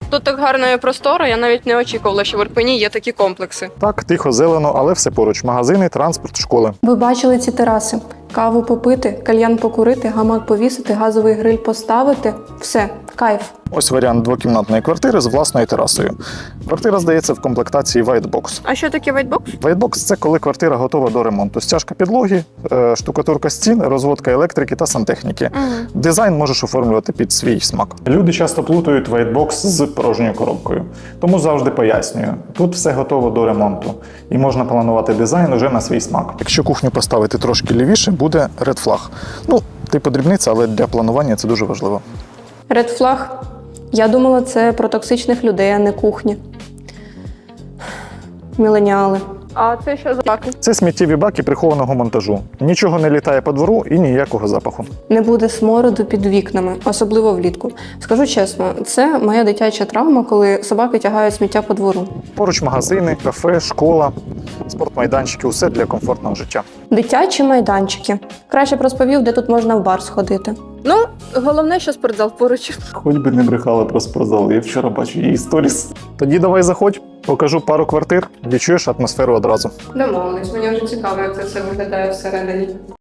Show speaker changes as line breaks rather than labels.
Тут так гарно і просторо, я навіть не очікувала, що в Ірпені є такі комплекси.
Так, тихо, зелено, але все поруч. Магазини, транспорт, школи.
Ви бачили ці тераси? Каву попити, кальян покурити, гамак повісити, газовий гриль поставити. Все, кайф.
Ось варіант двокімнатної квартири з власною терасою. Квартира здається в комплектації White Box.
А що таке вайтбокс?
White Box – це коли квартира готова до ремонту. Стяжка підлоги, штукатурка стін, розводка електрики та сантехніки. Дизайн можеш оформлювати під свій смак. Люди часто плутають White Box з порожньою коробкою. Тому завжди пояснюю. Тут все готово до ремонту. І можна планувати дизайн уже на свій смак. Якщо кухню поставити трошки лівіше, буде Red Flag. Ну, типу дрібниця, але для планування це дуже важливо.
Red Flag. Я думала, це про токсичних людей, а не кухні. Міленіали.
А це що за баки?
Це сміттєві баки прихованого монтажу. Нічого не літає по двору і ніякого запаху.
Не буде смороду під вікнами, особливо влітку. Скажу чесно, це моя дитяча травма, коли собаки тягають сміття по двору.
Поруч магазини, кафе, школа, спортмайданчики – усе для комфортного життя.
Дитячі майданчики. Краще б розповів, де тут можна в бар сходити.
Ну, головне, що спортзал поруч.
Хоч би не брехала про спортзал, я вчора бачу її сторіс. Тоді давай заходь, покажу пару квартир, відчуєш атмосферу одразу.
Домовились, мені вже цікаво, як це все виглядає всередині.